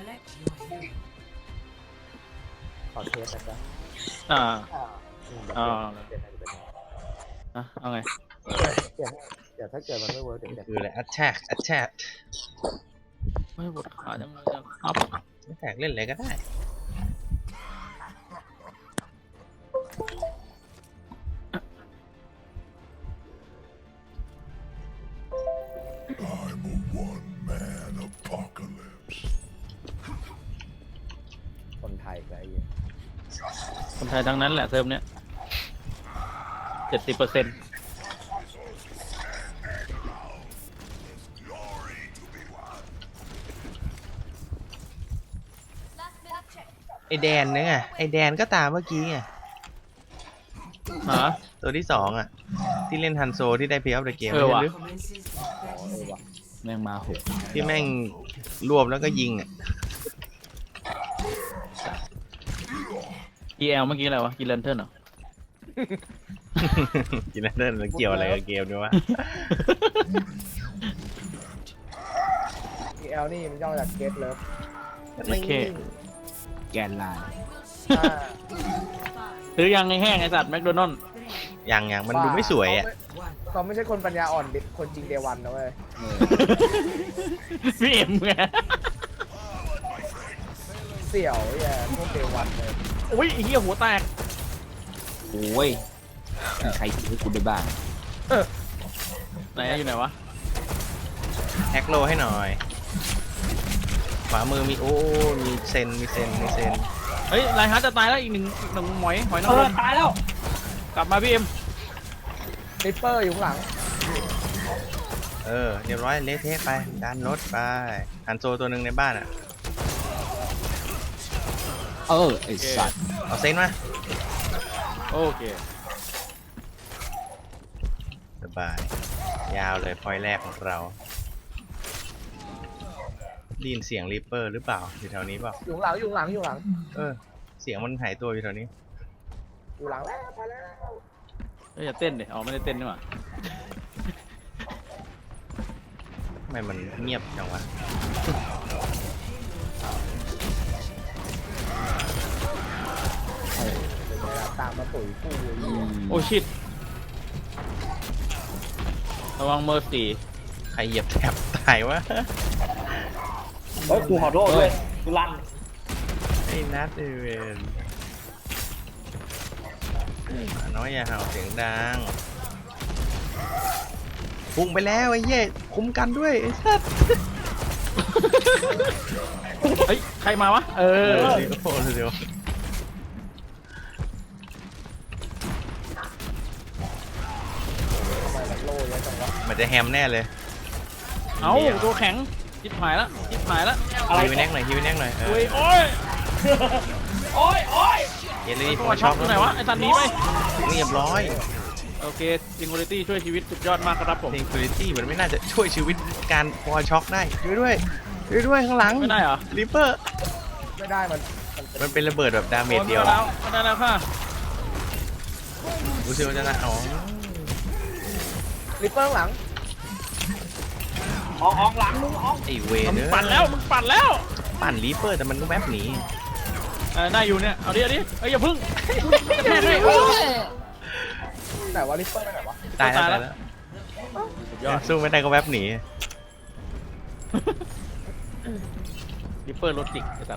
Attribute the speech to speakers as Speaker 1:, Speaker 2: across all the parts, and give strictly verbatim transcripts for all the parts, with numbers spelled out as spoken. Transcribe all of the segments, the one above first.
Speaker 1: ขอเทสนะจ๊ะ
Speaker 2: อ่า
Speaker 1: อืม
Speaker 2: อ่า
Speaker 1: เดี๋ยวเปลี่ยนให้เปลี่ยนให้
Speaker 2: อ่ะเอาไง
Speaker 1: เปลี่ยนให้เดี๋ยวถ้าเกิดมันไม่เวิร์กเดี๋ยวจะ
Speaker 3: คืออะไร attack attack
Speaker 2: ไม่ปวดขาจังเลยอะครับ
Speaker 3: attack เล่นอะไรก็ได้
Speaker 1: คนไทยก็ไอ้เหี้ย
Speaker 2: คนไทยทั้งนั้นแหละเทอมเนี้ยเจ็ดสิบเปอร์เซ็นต์
Speaker 3: ไอแดนเนี่ยไงไอแดนก็ตามเมื่อกี้ไง
Speaker 2: ฮะ
Speaker 3: ตัวที่สองอ่ะ ที่เล่นฮันโซที่ได้เพย์ออฟเดอะเกม
Speaker 2: เออว่ะ
Speaker 1: อ๋อเออว่ะ
Speaker 2: แม่งมาหก
Speaker 3: ที่แม่งรวบแล้วก็ยิงอ่ะ
Speaker 2: อีแอลเมื่อกี้อะไรวะกินเลนเทิร์นเหรอ
Speaker 3: กินแล้วเดินมันเกี่ยวอะไรกับเกมด้วยวะ
Speaker 1: พี แอล นี่มันย่อมาจาก Get Love
Speaker 2: โอเค
Speaker 4: แกนไลน์
Speaker 1: อ่า
Speaker 2: ซื้อยังไงแห้งไอสัตว์แมคโดนัลด์
Speaker 3: อย่างอย่างมันดูไม่สวยอ่ะ
Speaker 1: เขาไม่ใช่คนปัญญาอ่อนดิคนจริงเดวันนะเว้ย
Speaker 2: พี่เอ็มไง
Speaker 1: เสี่ยวแย่พวกเดวันเลย
Speaker 2: อุ้ยไอ้เหี้ยหัวแตก
Speaker 4: โอ้ยมีใครคิดให้กูได้บ้าง
Speaker 2: ไหนอะอยู่ไหนวะ
Speaker 3: แฮกโลให้หน่อย ขวามือมีโอ้ มีเซน มีเซน มีเซน
Speaker 2: เฮ้ยไลน์ฮาร์ดจะตายแล้วอีกหนึ่งอีกหนึ่งหมอยหอยนาง
Speaker 4: เอ
Speaker 2: ร
Speaker 4: อ
Speaker 2: ม
Speaker 4: ตายแล้ว
Speaker 2: กลับมาพี่เอ็ม
Speaker 1: ริปเปอร์อยู่ข้างหลัง
Speaker 3: เออ เรียบร้อยเละเทะไปดันรถไปฮันโซตัวหนึ่งในบ้านอ่ะ
Speaker 4: เออไอสัตว์
Speaker 3: เอาเซนมา
Speaker 2: โอเค
Speaker 3: สบาย ยาวเลยพอยแรกของเราได้ยินเสียงริปเปอร์หรือเปล่าอยู่แถวนี้เปล่า
Speaker 1: อยู่ข้างหลังอยู่ข้างหลังอยู่ข้างหลัง
Speaker 3: เออ เสียงมันหายตัวอยู่แถวนี้
Speaker 1: อยู่หลังแล้วไปแล้ว
Speaker 2: เฮ้ยอย่าเต้นดิอ๋อไม่ได้เต้นนี่หว่า
Speaker 3: ทำไมมันเงียบจังวะ
Speaker 1: เป็นไงล่ะตามมาตุ๋ยกูเลย
Speaker 4: อืม
Speaker 2: โอ้ชิตระวังเมอร์สี่
Speaker 3: ใครเหยียบแถบตายวะ
Speaker 5: เฮ้ยกูขอโทษด้วยกูลั่น
Speaker 3: ไอ้นัดเอเวนน้อยอย่าเห่าเสียงดังพุ่งไปแล้วไอ้เหี้ยคุ้มกันด้วยไอ้สัส
Speaker 2: เฮ้ยใครมาวะเอ
Speaker 3: เอ
Speaker 2: อ
Speaker 3: อเดี๋ยวเดี๋ยว
Speaker 1: ทำไมมันโล่เยอะจังวะ
Speaker 3: มันจะแฮมแน่เลย
Speaker 2: เอ้าตัวแข็งจิบหายแล้วจิบหายแล้ว
Speaker 3: ฮิวแน็กหน่อยฮิวแน็กหน่อยเอ
Speaker 2: โอ้
Speaker 3: อย
Speaker 2: โอ้ย
Speaker 5: โอ้ยโอ้ย
Speaker 3: เยลลี่พ
Speaker 2: ตั
Speaker 3: อ
Speaker 2: วช็
Speaker 3: ช็
Speaker 2: อ
Speaker 3: อก ก
Speaker 2: ตัวไหนวะไอ้ตันหนี้ไป
Speaker 3: เรียบร้อย
Speaker 2: โอเคซิงคูลิตี้ช่วยชีวิตสุดยอดมากครับผม
Speaker 3: เพลงคุณตี้มันไม่น่าจะช่วยชีวิตการพอช็อกได้ช่วยด้วยช่วยด้วยข้างหลัง
Speaker 2: ไม่ได้เหรอ
Speaker 3: ริปเปอร์
Speaker 1: ไม่ได้มันมันเป็น
Speaker 3: มันเป็นระเบิดแบบดาเมจเดียว
Speaker 2: โอ้ไม่ได้แล้วไม่ได้แล้วค่ะ
Speaker 3: รู้สึกว่าจะนะอ๋อ
Speaker 1: ริปเปอร์ข้างหลัง
Speaker 5: ออกออกหลังมึงออก
Speaker 3: ไอเว
Speaker 2: มึ
Speaker 3: เน
Speaker 2: ง
Speaker 3: อ
Speaker 2: ปั่นแล้วมึงปั่นแล้ว
Speaker 3: ปั่นริปเปอร์แต่มันก็แวบหนี
Speaker 2: เออได้อยู่เนี่ยเอาดิเอาดิเอ้ยอย่าพึ่งแม่งเลย
Speaker 1: ไหนวะริปเปอร์ไปไหนวะ
Speaker 3: ตายแล้ว
Speaker 2: ตาย
Speaker 3: ตา
Speaker 2: แล้
Speaker 3: ยว แล้ว
Speaker 2: สุดยอด
Speaker 3: สู้ไม่ได้ก็แวบหนี
Speaker 2: ริปเปอร์รถจิกไอ้สัตว์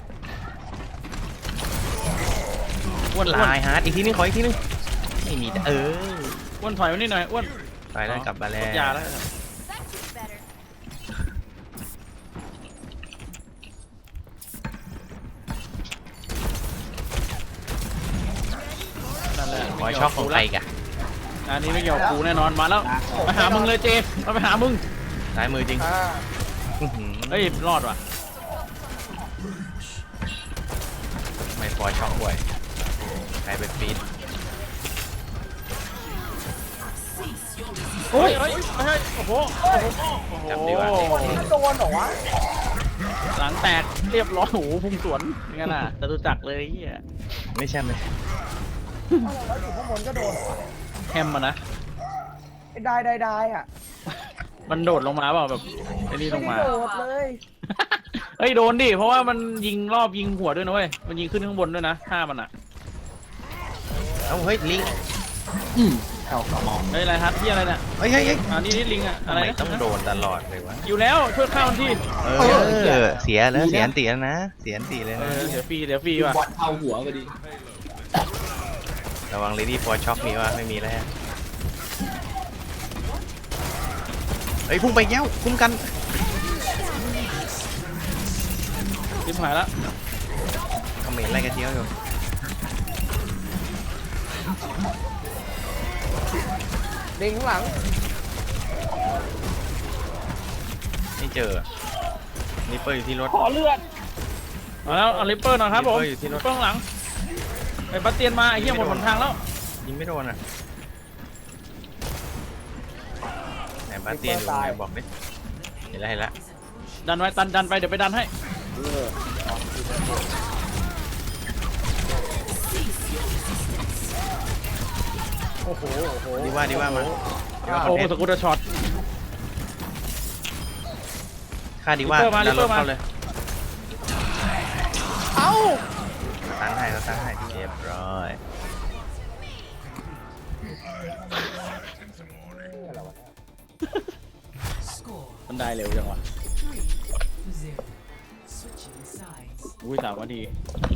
Speaker 3: อ้วนลายฮาร์ดอีกทีนึงขออีกทีนึงไม่มีแต่เออ
Speaker 2: อ้วนถอยมานี่หน่อยอ้วน
Speaker 3: ไปแล้วกลับมาแล้
Speaker 2: กดยาว แล้วนั่นแหละ
Speaker 3: พอช็อกของใครกะ
Speaker 2: อันนี้ไม่เกี่ยวกับกูแน่นอนมาแล้วมาหามึงเลยเจมาไปหามึง
Speaker 3: ซ้ายมือจริง
Speaker 1: อ่า
Speaker 3: อื้อหือ
Speaker 2: เฮ้ยรอดว่ะ
Speaker 3: ไม่พอช็อกบ่อยใครเป็นฟีด
Speaker 2: เฮ้ยเฮ้ยเฮ้ยโอ้โหโอ้โหโอ้โห
Speaker 3: จำดีว่า
Speaker 1: คนนี้โดนเหรอวะ
Speaker 2: หลังแตกเรียบร้อยโอ้โหพุ่งสวนอย่างนั้นน่ะจตุจักรเลยไอ้เฮีย
Speaker 3: ไม่ใช่ไหม
Speaker 1: แล้วอยู่ข้างบนก็โดนเหรอ
Speaker 2: แฮมมานะ
Speaker 1: ไอ้ได้ได้ได้อ่ะ
Speaker 2: มันโดดลงมาเปล่าแบบไอ้นี่ลงมา
Speaker 1: ไได้โดดเลย
Speaker 2: เฮ้ยโดนดิเพราะว่ามันยิงรอบยิงหัวด้วยนะเว้ยมันยิงขึ้นข้างบนด้วยนะท่ามันอ่ะ
Speaker 3: เอ้าเฮ้ยลิง
Speaker 4: อืมเอากระหม่อม
Speaker 2: เฮ้ยอะไรฮัทที่อะไรเนี่ย
Speaker 3: เฮ้ยเฮ้ยเฮ้ย
Speaker 2: อ่านี่นี่ลิงอ่ะ
Speaker 3: ทำ
Speaker 2: อะไร
Speaker 3: ไม
Speaker 2: นะ
Speaker 3: ต้องโดนตลอดเลยวะ
Speaker 2: อยู่แล้วช่วยข้าวมันที่
Speaker 3: เออเสียแล้วเสียอันตีแล้วนะเสียอันตีเลย
Speaker 2: เอ
Speaker 3: นะ
Speaker 2: อเดี๋ยวฟรีเดี๋ยวฟรีว่ะ
Speaker 4: บอลเข้าหัวพอดี
Speaker 3: ระวังเลดี้ฟอร์ช็อกมีวะไม่มีแล้วฮะเฮ้ยพุ่งไปเย้าคุ้มกัน
Speaker 2: ริมหายละ
Speaker 3: คอมเมนต์อะไรกันเที่ยวอยู่
Speaker 1: ลิงข้างหลัง
Speaker 3: ไม่เจอนิปเปอร์อยู่ที่รถ
Speaker 5: ขอเลือด
Speaker 2: เอาแล้วเอาลิปเปอร์หน่อยครับผม
Speaker 3: ลิปเปอร์อยู่ที่รถ
Speaker 2: ลิปเปอร์ข้างหลังไอ้ปัตเตียนมาไอ้เหี้ยหมดหนทางแล้ว
Speaker 3: ยิงไม่โดนอ่ะไหนบาสเตียนอยู่ไหนบอกดิเห็นแล้วเห็นแล้ว
Speaker 2: ดันไว้ดันดันไปเดี๋ยวไปดันให้
Speaker 1: โอ้โหโอ้โห
Speaker 3: ดีว่าดีว่ามาดีว่าค
Speaker 2: โอ้
Speaker 3: อนเทน
Speaker 2: ส
Speaker 3: ต์
Speaker 2: กูตเตอร์ช็อต
Speaker 3: ค่าดีว่า
Speaker 2: ลิปเปอร์มา
Speaker 3: ดันรถ
Speaker 2: ลิปเปอร์มา
Speaker 3: เข้าเลย
Speaker 1: เอ้า
Speaker 3: ตั้งให้เราตั้งให้เรียบร้อย
Speaker 2: มันได้เร็วจังวะอุ้ยสามนาที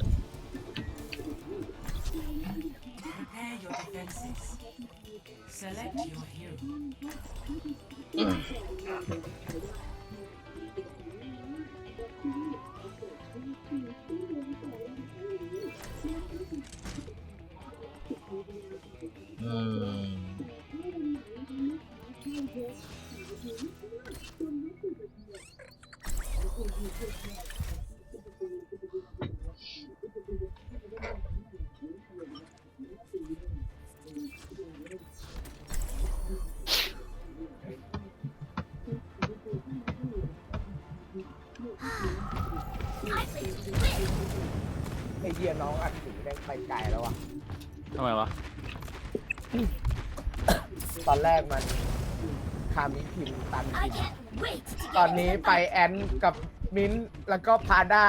Speaker 6: Prepare your defenses. Select your hero.
Speaker 3: อืม
Speaker 1: ไอเดียน้องอัดสีได้ไปไกลแล้วอ่ะ
Speaker 2: ทำไมวะ
Speaker 1: ตอนแรกมันคามิพิมพ์ตันพิมพ์ตอนนี้ไปแอนกับมิ้นท์แล้วก็พาด้า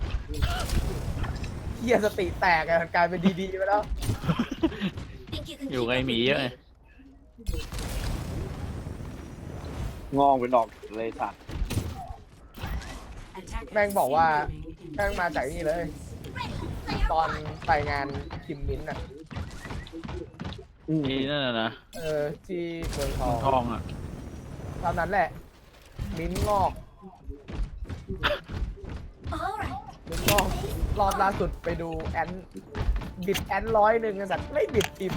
Speaker 1: เฮียสติแตกอะกลายเป็นดีๆไปแล้ว
Speaker 2: อยู่ไงหมีเยอะไง
Speaker 5: งองเป็นดอกเลยสัตว์
Speaker 1: แม่งบอกว่าแม่งมาจากนี่เลย ตอนไปงานคิมมิ้นท์อ่ะ
Speaker 2: นี่นั่นน่ะนะ
Speaker 1: เออที่เมืองทอง
Speaker 2: ทองอ่ะ
Speaker 1: ตอนนั้นแหละ มิ้นท์งอกมิ้นท์งอกรอบล่าสุดไปดูแอนบิดแอนร้อยหนึ่งกันสัตว์ไม่บิดพิมพ์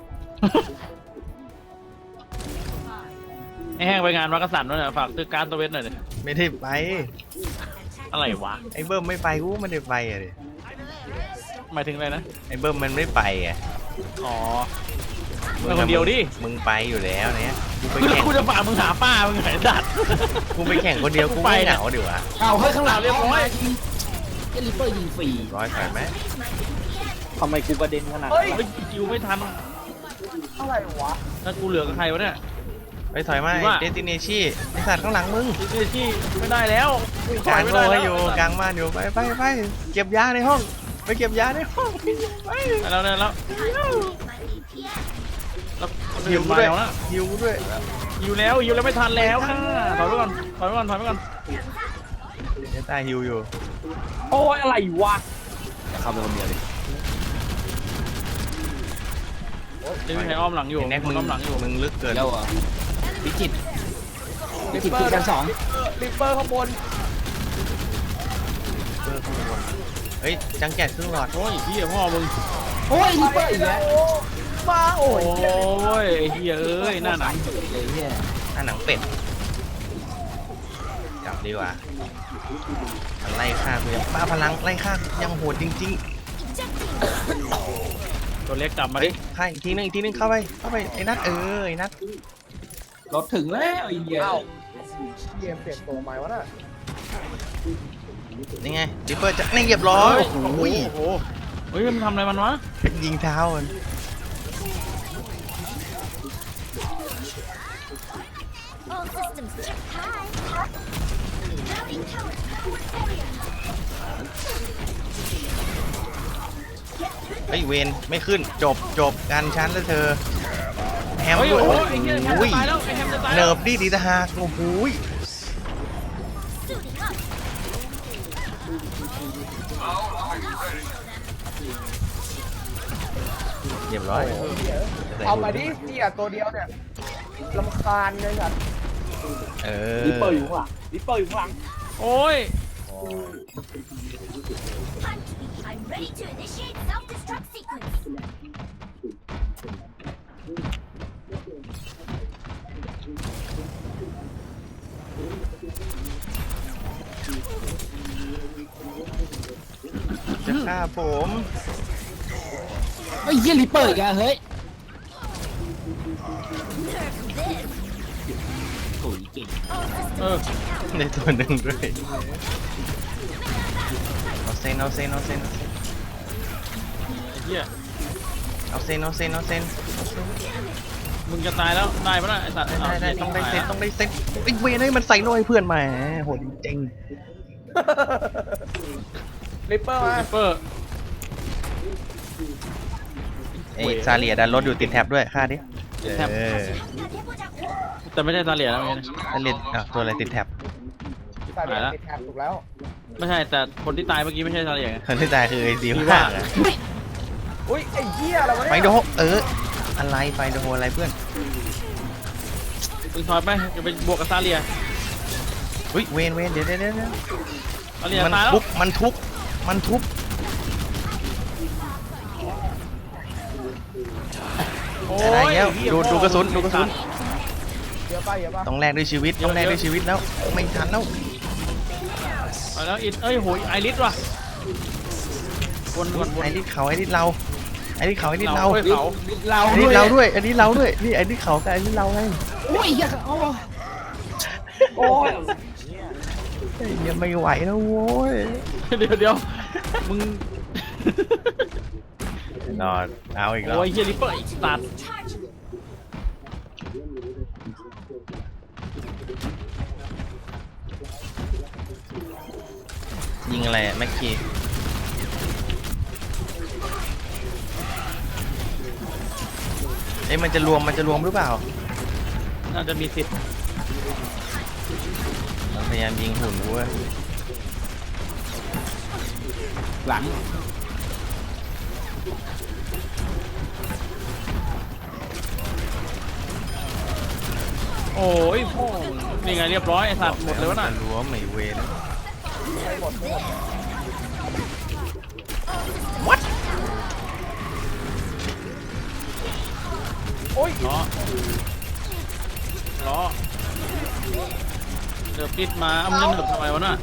Speaker 2: ไอ้แห้งไปงานวัดกษัตริย์ด้วยเนี่ยฝากซื้อการ์ดตัวเวทหน่อยดิ
Speaker 3: ไม่ได้ไป
Speaker 2: อะไรวะ
Speaker 3: ไอ้เบิ้มไม่ไปกูไม่ได้ไปอ่ะดิ
Speaker 2: หมายถึงอะไรนะ
Speaker 3: ไอ้เบิ้มมันไม่ไปอ่ะ
Speaker 2: อ๋อมึงคนเดียวดิ
Speaker 3: มึงไปอยู่แล้วเนี่ยกูไป
Speaker 2: คือ
Speaker 3: แข่ง
Speaker 2: กูจะฝากมึงหาป้ามึงไงดัด
Speaker 3: กูไปแข่งคนเดียวกู
Speaker 2: ไป
Speaker 3: ไม่
Speaker 2: เนี่ย
Speaker 3: เหงาดิวะ
Speaker 4: เอาเฮ้ยข้างหลัง
Speaker 2: เรียบร้อย
Speaker 4: เจลิเปอร์ยิงฟรี
Speaker 3: ร้อยใส่ไหม
Speaker 5: ทำไมกูกระเด็นขนาด
Speaker 1: เฮ้ย
Speaker 2: เฮ้ยคิวไม่ทัน
Speaker 1: อะไรวะ
Speaker 2: ถ้ากูเหลือกับใครวะเนี่ย
Speaker 3: ไปถอยมา
Speaker 2: ว่า
Speaker 3: เดติเนชี่ไอสัตว์ข้างหลังมึง
Speaker 2: ที่ที่ไม่ได้แล้วกูถ
Speaker 3: ก
Speaker 2: อ
Speaker 3: ลาย ง
Speaker 2: ไม่
Speaker 3: โล
Speaker 2: ได้
Speaker 3: ให้
Speaker 2: แล้ว
Speaker 3: อยู่กลางบ้านอยู่ไปไปไปเก็บยาในห้องไปเก็บยาในห้องไป
Speaker 2: ไปแล้วได้แล้วแล้วคน
Speaker 3: หิ
Speaker 2: อื่
Speaker 3: วน กู
Speaker 2: มา
Speaker 3: ด้วย
Speaker 2: แล้วนะ
Speaker 3: หิวกูด้วย
Speaker 2: อยู่แล้วอยู่แล้วไม่ทันแล้วค่ะถอยไปก่อนถอยไปก่อนถอยไปก่อน
Speaker 3: เดี๋ยวตายหิวอยู่
Speaker 5: โอ้ยอะไรวะ
Speaker 4: จะเข้าไปคนเดียวเลย
Speaker 2: จะมีใครอ้อมหลังอยู่
Speaker 3: ไอ้แน็ก
Speaker 2: มึ
Speaker 3: มึ
Speaker 2: ง
Speaker 3: ง
Speaker 2: อ้อมหลังอยู่
Speaker 3: มึงลึกเกิน
Speaker 4: แล้วอ่ะวิจิตรวิ
Speaker 1: ลิ
Speaker 4: จิ
Speaker 1: ป
Speaker 4: ตร
Speaker 1: เปอ
Speaker 4: คือ
Speaker 1: ร์
Speaker 4: ชั้นสอง
Speaker 1: ลิปเปอร์ข้างบน
Speaker 3: เพิ่มข้างบนเฮ้ยจังแกะครึ่งหลอด
Speaker 2: โอ้ยพี่พ่อมึง
Speaker 4: โอ้ยลิเปอร์อีกแล้ว
Speaker 1: มาโอ้
Speaker 2: โอ้
Speaker 1: ย
Speaker 2: ยไอ้เฮียเอ้ยหน้าหนัง
Speaker 4: เฮ้ยเนี่ย
Speaker 3: หน้าหนังเป็ดจับดีกว่ามันไล่ฆ่ากูยังป้าพลังไล่ฆ่ายังโหดจริง
Speaker 2: ตัวเล็กกลับ
Speaker 3: ๆ
Speaker 2: มา
Speaker 3: เฮ้
Speaker 2: ดิ
Speaker 3: ยฆ่าอีกทีนึงอีกทีนึงเข้าไปเข้าไปไอ้นัทเออไอ้นัท
Speaker 4: รถถึงแล้วไอ้เหี้ย
Speaker 1: เอ้าเกมเปลี่ยนตัวใหม่วะน่ะ
Speaker 3: นี่ไงดิปเปอร์จะนี่เรียบร้อย
Speaker 2: โอ้โห
Speaker 3: โอ้ย
Speaker 2: โอ้โหเฮ้ยมันทำอะไรมันวะ
Speaker 3: ยิงเท้ามัน
Speaker 7: All systems check high. Mounting tower power barrier.
Speaker 3: เฮ้ยเวนไม่ขึ้นจบจบการชั้นแล้วเธอแฮม
Speaker 2: เฮ้ย
Speaker 3: ด้วย
Speaker 2: โอ้
Speaker 3: โอ้
Speaker 2: โหไอ้เหี้ยแฮม
Speaker 3: โห
Speaker 2: จะตายแล้วไอ้แฮมจะตายแล้
Speaker 3: เนิ
Speaker 2: ว
Speaker 3: ร์ฟดิดีตาหากโอ้โห
Speaker 7: Suiting up.
Speaker 3: เรียบร้อย
Speaker 1: เอามาดิเสียตัวเดียวเนี่ยลำคาญเลยสัตว์
Speaker 3: เอ
Speaker 5: ลิปเปอ
Speaker 3: อ
Speaker 5: ร์อยู่ข้างหลังลิปเปอร์อยู่ข้างหลัง
Speaker 2: โอ้ย
Speaker 7: Hunt me. I'm ready to initiate self-destruct sequence.
Speaker 3: จะฆ่าผม
Speaker 4: ไอ้ยเหี้ยริปเปอร์อีกอะเฮ้ย
Speaker 7: Nerf this.
Speaker 4: โอ้ยเก่ง
Speaker 7: All systems
Speaker 2: เออ
Speaker 7: check out.
Speaker 3: ในตัวหนึ่งด้วยเอาเซนเอาเซนเอาเซน
Speaker 2: ไอ้เหี้ย
Speaker 3: เอาเซนเอาเซนเอาเซน
Speaker 2: มึงจะตายแล้วได้ปะล่ะไอ้สัตว์
Speaker 3: ได้ได้
Speaker 2: เา
Speaker 3: ต้องได้เซน
Speaker 2: ตายแล้ว
Speaker 3: ต้องได้เซนไอ้เวนให้มันใส่หน่อยเพื่อนแหมโหดจริง
Speaker 1: ริปเปอร์มา
Speaker 2: ริปเปอร์
Speaker 3: ไอ้ซาเลียดันรถอยู่ติดแท็บด้วยฆ่าดิเออ
Speaker 2: แต่ไม่ใช่ตาเหลียแล้วไงนะ
Speaker 3: ซาเลียอ่ะตัวอะไรติดแท็บ
Speaker 1: สายเดีย
Speaker 2: หายละ
Speaker 1: ติดแท็บถูกแล้ว
Speaker 2: ไม่ใช่แต่คนที่ตายเมื่อกี้ไม่ใช่ตาเหลียไง
Speaker 3: คนที่ตายคือไอ้ดี
Speaker 2: ดี
Speaker 3: ว่า
Speaker 2: ว่า
Speaker 1: อุ้ยไอ้เหี้ยอะไรวะ
Speaker 3: ไฟ
Speaker 1: เนี่ย
Speaker 3: โดเอออะไรไฟโดอะไรเพื่อน
Speaker 2: มึงถอยไปจะไปบวกกับตาเหลีย
Speaker 3: อุ้ยเวนเวนเดี๋ยวเดี๋ยวเดี๋ยวเดี๋ยว
Speaker 2: ตาเหลีย
Speaker 3: มัน
Speaker 2: ตายแล้ว
Speaker 3: ทุบมันทุบมันทุบ
Speaker 2: โอ้
Speaker 3: อะไร
Speaker 2: ย
Speaker 3: เงี้ย
Speaker 2: เหี้ย
Speaker 3: ดูดูกระสุนดูกระสุน
Speaker 1: เยอะป่ะเยอะป่ะ
Speaker 3: ต้องแลกด้วยชีวิตต้องแลกด้วยชีวิตแล้วไม่ทันแล้ว
Speaker 2: ไปแล้วอินเอ้ยโหยไอริสว่ะวนวนวน
Speaker 3: ไอ้นี่เขาไอ้นี่เราไอ้นี่เขาไอ้นี่เรา
Speaker 2: เว้ยเขา
Speaker 4: เรา
Speaker 3: ไอ้
Speaker 4: ด้
Speaker 3: นี่
Speaker 4: วย
Speaker 3: เราด้วยอันนี้เราด้วยนี่ไอ้นี่เขากับไอ้นี่เราไง
Speaker 4: โอ้ยเหี้ยโอ้ย
Speaker 5: โอ้ย
Speaker 3: ไอ้เนี่ยไม่ไหวแล้วโว้ย
Speaker 2: เดี๋ยวเดี๋ยวมึง
Speaker 3: นอนเอาอีกแล้ว
Speaker 2: โอ้ยเฮียริปเปอร์อีกตัด
Speaker 7: Charge.
Speaker 3: ยิงอะไรอะแม็กกี้เอ้ยมันจะรวมมันจะรวมหรือเปล่า
Speaker 2: น่าจะมีสิทธิ์
Speaker 3: มันพยายามยิงหุ่นเว้ย
Speaker 4: หลัง
Speaker 2: โอ้ยพ่อนี่ไงเรียบร้อยไอ้สัตว์หมดเลยวะน่ะ
Speaker 3: มันรวมไม่เวน
Speaker 1: โอ้ย
Speaker 2: ล้อล้อเดือบปิดมาเอามันจะเดือบทำไมวะน่ะ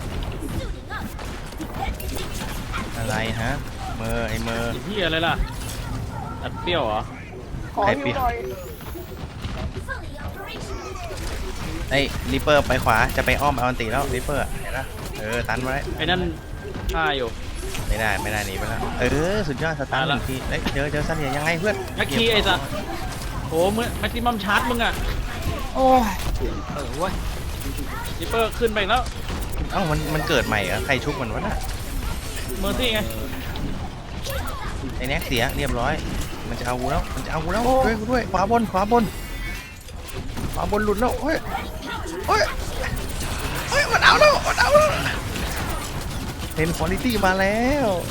Speaker 3: อะไรฮะเมอร์ไอ้เมอร์
Speaker 2: ไอ้เหี้ยอะไรล่ะอัดเปรี้ยวเหรอ
Speaker 1: ขอ
Speaker 3: ใคร
Speaker 1: ฮิ
Speaker 3: เปลี่
Speaker 1: วย
Speaker 3: น
Speaker 1: หน่อย
Speaker 7: Fully operational.
Speaker 3: ไอ้ริปเปอร์ไปขวาจะไปอ้อมเอาอันตีแล้วริปเปอร์เห็นปะเออตันไว้
Speaker 2: ไอ้นั่นฆ่าอยู่
Speaker 3: ไม่ได้ไม่ได้หนีไปแล้วเออสุดยอดสตาร์ทหนึ่งทีเอ้ยเจอเจอซาเลียยังไงเพื่อน
Speaker 2: แม็กคีไอ้สัตว์โอ้มึงแม็กซิมัมชาร์จมึงอะ
Speaker 4: โอ้ยเออเว้ย
Speaker 2: ริปเปอร์ขึ้นไปอีกแล้ว
Speaker 3: เอ้ามันมันเกิดใหม่เหรอใครชุบมันวะน่ะ
Speaker 2: เมอร์ซี่ไง
Speaker 3: ไอ้แน็กเสียเรียบร้อยมันจะเอากูแล้วมันจะเอากูแล้วด้วยกูด้วยขวาบนขวาบนขวาบนหลุดแล้วเฮ้ยเฮ้ยเฮ้ยมันเอาแล้วมันเอาแล้วเห็นคุณภาพมาแล้ว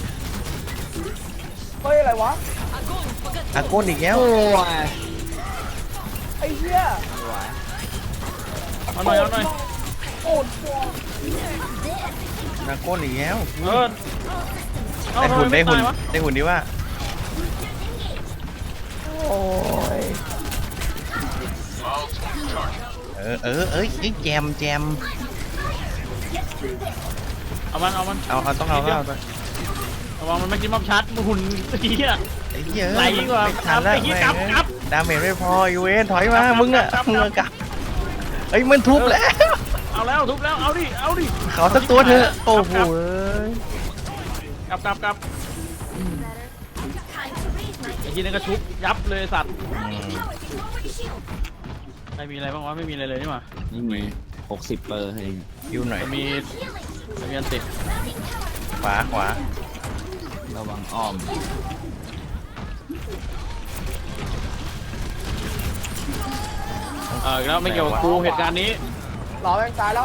Speaker 1: เฮ้ยอะไรวะ
Speaker 3: อาโกนอีกแล้ว
Speaker 4: โอ้ย
Speaker 1: ไอ้เหี้ย
Speaker 2: เอาหน่อยเอาหน่อย
Speaker 1: โอ้โห
Speaker 3: อาโกนอีกแล้ว
Speaker 2: เออเอา
Speaker 3: ได้
Speaker 2: ทำ
Speaker 3: หุ่น
Speaker 2: ไม
Speaker 3: ได้
Speaker 2: ไม่
Speaker 3: หุ่น
Speaker 2: ตายวะ
Speaker 3: ได้หุ่นดีว่า
Speaker 1: โอ้ย
Speaker 3: เออเออเอ้ยเอ้ยแจมแจม
Speaker 2: เอามันเอามัน
Speaker 3: เอาเอาต้องเอาต้องเอา
Speaker 2: ระวังมันแม็กซิมัมชาร์จมึงหุ่นเหี้ย
Speaker 3: ไอ้เหี้ย
Speaker 2: ไหลกว่า
Speaker 3: ไม่ทันแล้ว
Speaker 2: ไอ้เหี้ย
Speaker 3: แม่ง
Speaker 2: กลับกลับ
Speaker 3: ดาเมจไม่พออยู่เวนถอยมาก
Speaker 2: ลับ
Speaker 3: มึงอะ
Speaker 2: กลับ
Speaker 3: มึง
Speaker 2: กลั
Speaker 3: อะ
Speaker 2: บ
Speaker 3: กลับเอ้ยมันทุบแล้ว
Speaker 2: เอาแล้วทุบแล้วเอาดิเอาดิ
Speaker 3: เขาสักตัวเถอะโอ้โห
Speaker 2: กลับกลับกลับ
Speaker 7: Time to raise my
Speaker 2: ไอ้ทีนึงก็ชุบยับเลยสัตว์
Speaker 3: อืม
Speaker 7: forward shield.
Speaker 2: ไม่มีอะไรบ้างวะไม่มีอะไรเลยนี่หว่า
Speaker 4: นี่มีหกสิบเปอร์เอง
Speaker 3: ยูหน่อย
Speaker 2: จะมีจะมีอันติด
Speaker 3: ขวาขวา
Speaker 4: ระวังอ้อม
Speaker 2: เออแล้วไม่เกี่ยวกับกูเหตุการณ์นี้
Speaker 1: รอแม่งตายแล้ว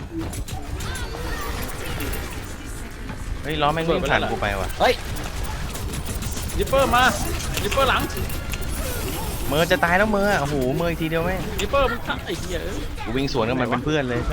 Speaker 3: เฮ้ยล้อแม่งวิ่งผ่านกูไปว่ะ
Speaker 4: เฮ้ย
Speaker 2: ริปเปอร์มาริปเปอร์หลัง
Speaker 3: เมอร์จะตายแล้วเมอร์โอ้โหเมอร์อีกทีเดียวแม่ง
Speaker 2: ริปเปอร์มึงฆ่าไอ้เหี้ยเอ้ย
Speaker 3: กูวิ่งสวนกับมันเป็นเพื่อนเลยใช่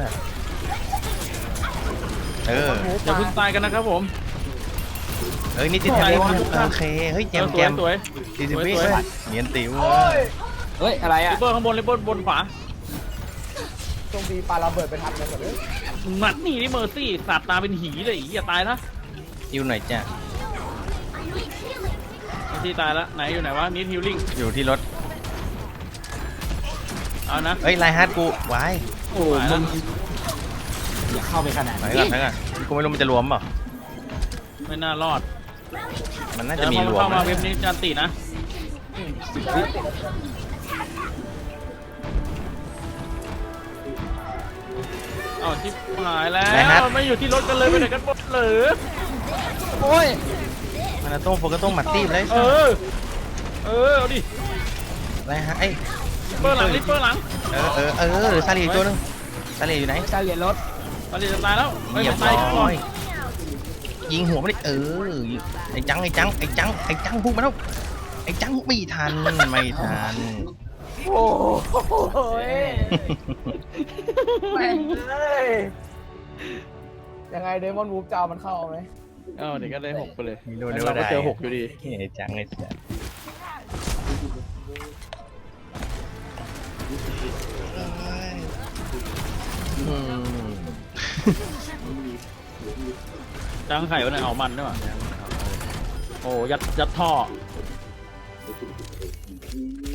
Speaker 3: เออ
Speaker 2: อย่าเพิ่งตายกันนะครับผม
Speaker 3: เฮ้ยนี่ติดแทนโอเคเฮ้ยแจม
Speaker 2: ส
Speaker 3: แจ
Speaker 2: วย
Speaker 3: ม
Speaker 2: สวย
Speaker 3: ดีสิวิ
Speaker 2: สวย
Speaker 3: เนียนติ๋ว
Speaker 1: โอ้ย
Speaker 4: เฮ้ย อะไร
Speaker 2: ริ
Speaker 4: อ่ะ
Speaker 2: ปเปอร์ข้างบนริปเปอร์บนขวา
Speaker 1: ตรงดีปาระเบิดไปทันเลยก่อนเลย
Speaker 2: หนัดนี่นี่เมอร์ซี่สัตว์ตาเป็นหีเลยอย่าตายนะ
Speaker 3: ยูหน่อยจ้ะ
Speaker 2: เมอร์ซี่ตายแล้วไหนอยู่ไหนวะนิดฮิลลิ่ง
Speaker 3: อยู่ที่รถ
Speaker 2: เอานะ
Speaker 3: เฮ้ยไลฮาร์ดกูวาย
Speaker 4: โอ้มึงอย่าเข้าไปขนาด
Speaker 3: ไหน
Speaker 4: นี้
Speaker 3: ก่อนไหนก่อนกูไม่รู้มันจะรวมเปล่า
Speaker 2: ไม่น่ารอด
Speaker 3: มันน่า
Speaker 2: เดี๋
Speaker 3: จะ
Speaker 2: ยว
Speaker 3: มี
Speaker 2: พอ
Speaker 3: ร
Speaker 2: มัน
Speaker 3: วม
Speaker 2: เข้ามา
Speaker 3: นะ
Speaker 2: เว็บนี้จะติดนะเอาชิบหายแล้วไม่อยู่ที่รถกันเลยไปไหนกันหมดเหรอ
Speaker 4: โอ้ย
Speaker 3: มันต้องโฟกัสต้องหมัดตีบเลย
Speaker 2: เออเออเอาดิ
Speaker 3: ไลฮาร์ดไอ้
Speaker 2: ลิปเปอร์หลังลิปเปอร์หลัง
Speaker 3: เออเออเออหรือซาลีอีกตัวนึงซาลีอยู่ไหน
Speaker 4: ตาเหรียญรถ
Speaker 2: ตอนนี้จะตายแล้วไม่
Speaker 3: เหยียบ
Speaker 2: ตาย
Speaker 3: ร้
Speaker 2: ก่อ
Speaker 3: อน ยยิงหัวไม่ได้เออไอ้จังไอ้จังไอ้จังไอ้จังพุ่งมาแล้วไอ้จังไม่ทันไม่ทัน
Speaker 1: โอ้โหแม่งเลยยังไงเดมอนวูฟจะเอามันเข้าไหม
Speaker 2: เออเดี๋ยวก็ได้หกไปเลย
Speaker 3: มีโดน
Speaker 2: งั้น
Speaker 3: เดียว
Speaker 2: เราก็
Speaker 3: ได้
Speaker 2: เจอหกอยู่ดี
Speaker 3: ไอ้จังไอ้จังอืม
Speaker 2: จังไข่วะเนี่ยเอามันด้วยว่ะโอ้ยัดยัดท่อ